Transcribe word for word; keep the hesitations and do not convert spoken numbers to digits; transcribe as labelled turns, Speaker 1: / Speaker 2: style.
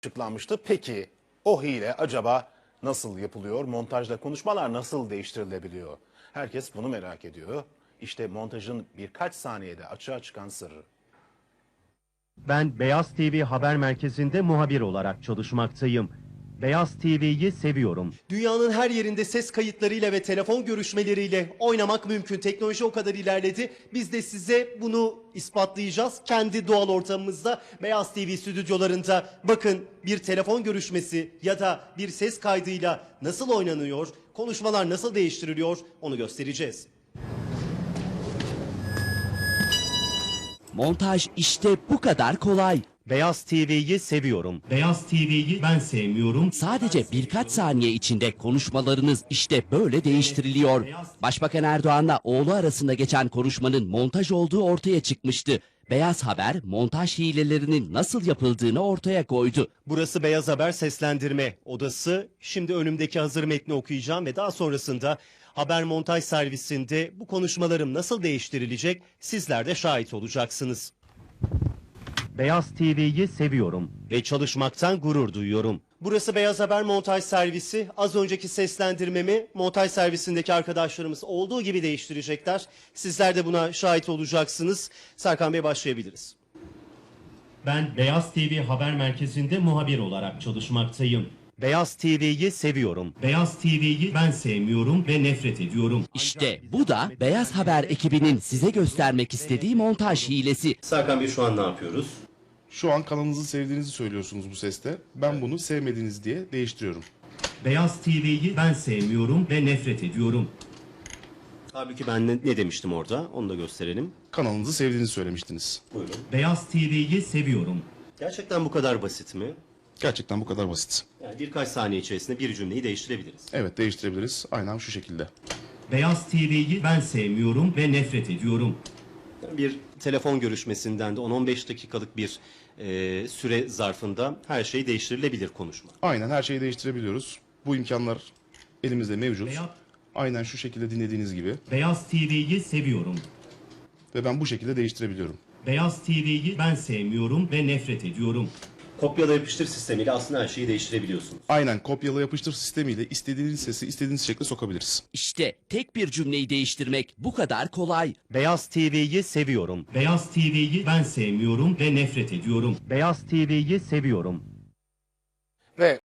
Speaker 1: açıklanmıştı. Peki o hile acaba nasıl yapılıyor? Montajda konuşmalar nasıl değiştirilebiliyor? Herkes bunu merak ediyor. İşte montajın birkaç saniyede açığa çıkan sırrı.
Speaker 2: Ben Beyaz T V haber merkezinde muhabir olarak çalışmaktayım. Beyaz T V'yi seviyorum.
Speaker 3: Dünyanın her yerinde ses kayıtlarıyla ve telefon görüşmeleriyle oynamak mümkün. Teknoloji o kadar ilerledi. Biz de size bunu ispatlayacağız. Kendi doğal ortamımızda Beyaz T V stüdyolarında bakın bir telefon görüşmesi ya da bir ses kaydıyla nasıl oynanıyor, konuşmalar nasıl değiştiriliyor onu göstereceğiz.
Speaker 4: Montaj işte bu kadar kolay.
Speaker 2: Beyaz T V'yi seviyorum. Beyaz T V'yi ben sevmiyorum.
Speaker 4: Sadece birkaç saniye içinde konuşmalarınız işte böyle değiştiriliyor. Başbakan Erdoğan'la oğlu arasında geçen konuşmanın montaj olduğu ortaya çıkmıştı. Beyaz Haber montaj hilelerinin nasıl yapıldığını ortaya koydu.
Speaker 3: Burası Beyaz Haber seslendirme odası. Şimdi önümdeki hazır metni okuyacağım ve daha sonrasında haber montaj servisinde bu konuşmalarım nasıl değiştirilecek sizler de şahit olacaksınız.
Speaker 2: Beyaz T V'yi seviyorum.
Speaker 3: Ve çalışmaktan gurur duyuyorum. Burası Beyaz Haber montaj servisi. Az önceki seslendirmemi montaj servisindeki arkadaşlarımız olduğu gibi değiştirecekler. Sizler de buna şahit olacaksınız. Serkan Bey başlayabiliriz.
Speaker 2: Ben Beyaz T V haber merkezinde muhabir olarak çalışmaktayım. Beyaz T V'yi seviyorum. Beyaz T V'yi ben sevmiyorum ve nefret ediyorum.
Speaker 4: İşte bu da Beyaz Haber ekibinin size göstermek istediği montaj hilesi.
Speaker 3: Serkan Bey şu an ne yapıyoruz?
Speaker 5: Şu an kanalınızı sevdiğinizi söylüyorsunuz bu seste. Ben bunu sevmediğiniz diye değiştiriyorum.
Speaker 2: Beyaz T V'yi ben sevmiyorum ve nefret ediyorum.
Speaker 3: Halbuki ben ne, ne demiştim orada onu da gösterelim.
Speaker 5: Kanalınızı sevdiğinizi söylemiştiniz.
Speaker 3: Buyurun.
Speaker 2: Beyaz T V'yi seviyorum.
Speaker 3: Gerçekten bu kadar basit mi?
Speaker 5: Gerçekten bu kadar basit.
Speaker 3: Yani birkaç saniye içerisinde bir cümleyi değiştirebiliriz.
Speaker 5: Evet, değiştirebiliriz. Aynen şu şekilde.
Speaker 2: Beyaz T V'yi ben sevmiyorum ve nefret ediyorum.
Speaker 3: Bir telefon görüşmesinden de on on beş dakikalık bir e, süre zarfında her şey değiştirilebilir konuşma.
Speaker 5: Aynen her şeyi değiştirebiliyoruz. Bu imkanlar elimizde mevcut.
Speaker 2: Beyaz,
Speaker 5: Aynen şu şekilde dinlediğiniz gibi.
Speaker 2: Beyaz T V'yi seviyorum.
Speaker 5: Ve ben bu şekilde değiştirebiliyorum.
Speaker 2: Beyaz T V'yi ben sevmiyorum ve nefret ediyorum.
Speaker 3: Kopyala yapıştır sistemiyle aslında her şeyi değiştirebiliyorsunuz.
Speaker 5: Aynen kopyala yapıştır sistemiyle istediğiniz sesi istediğiniz şekilde sokabiliriz.
Speaker 4: İşte tek bir cümleyi değiştirmek bu kadar kolay.
Speaker 2: Beyaz T V'yi seviyorum. Beyaz T V'yi ben sevmiyorum ve nefret ediyorum. Beyaz T V'yi seviyorum.
Speaker 1: Ve